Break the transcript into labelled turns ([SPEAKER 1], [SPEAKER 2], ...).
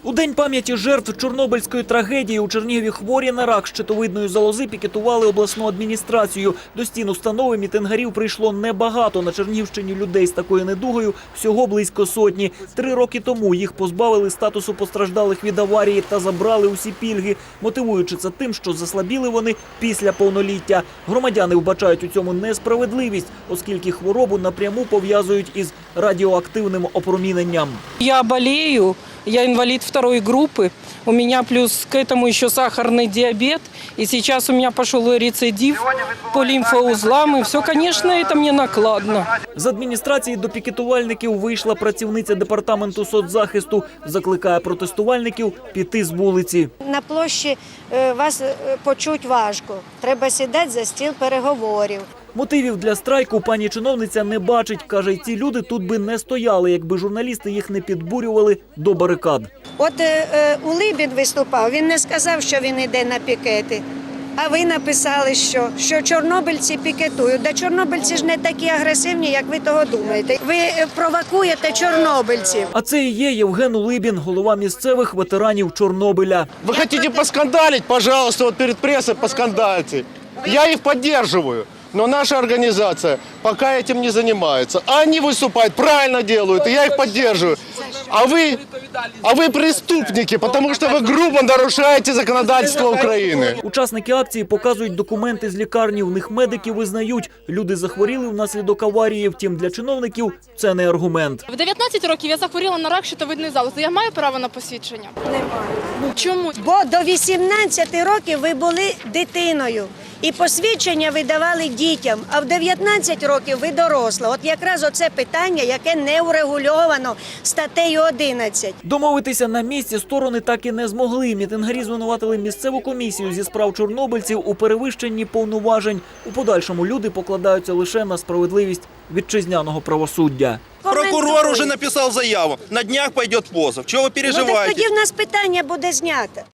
[SPEAKER 1] У День пам'яті жертв Чорнобильської трагедії у Чернігові хворі на рак щитовидної залози пікетували обласну адміністрацію. До стін установи мітингарів прийшло небагато. На Чернігівщині людей з такою недугою всього близько сотні. 3 роки тому їх позбавили статусу постраждалих від аварії та забрали усі пільги, мотивуючи це тим, що заслабіли вони після повноліття. Громадяни вбачають у цьому несправедливість, оскільки хворобу напряму пов'язують із радіоактивним опроміненням.
[SPEAKER 2] Я болею. Я инвалид 2-й группы, у меня плюс к этому еще сахарный диабет, и сейчас у меня пошел рецидив по лимфоузлам, и все, конечно, это мне накладно.
[SPEAKER 1] З адміністрації до пікетувальників вийшла працівниця департаменту соцзахисту, закликає протестувальників піти з вулиці.
[SPEAKER 3] На площі вас почуть важко, треба сідати за стіл переговорів.
[SPEAKER 1] Мотивів для страйку пані чиновниця не бачить. Каже, ці люди тут би не стояли, якби журналісти їх не підбурювали до барикад.
[SPEAKER 3] От Улибін виступав, він не сказав, що він йде на пікети. А ви написали, що чорнобильці пікетують. Да чорнобильці ж не такі агресивні, як ви того думаєте. Ви провокуєте чорнобильців.
[SPEAKER 1] А це і є Євген Улибін, голова місцевих ветеранів Чорнобиля.
[SPEAKER 4] Вы хотите поскандалить? Пожалуйста, вот перед прессой поскандальте. Я их поддерживаю. Но наша организация пока этим не занимается. Они выступают, правильно делают, и я их поддерживаю. А вы преступники, потому что вы грубо нарушаете законодательство Украины.
[SPEAKER 1] Учасники акції показують документи з лікарні. В них медики визнають, люди захворіли внаслідок аварії. Втім, для чиновників це не аргумент.
[SPEAKER 5] В 19 років я захворіла на рак щитовидної залози. Я маю право на посвідчення? Немає. Чому?
[SPEAKER 3] Бо до 18 років ви були дитиною. І посвідчення видавали дітям, а в 19 років ви доросла. От якраз оце питання, яке не урегульовано статтею 11.
[SPEAKER 1] Домовитися на місці сторони так і не змогли. Мітингарі звинуватили місцеву комісію зі справ чорнобильців у перевищенні повноважень. У подальшому люди покладаються лише на справедливість вітчизняного правосуддя.
[SPEAKER 6] Прокурор уже написал заяву. На днях пойдет позов. Чего вы переживаете?
[SPEAKER 3] Тоді в нас питання буде знято.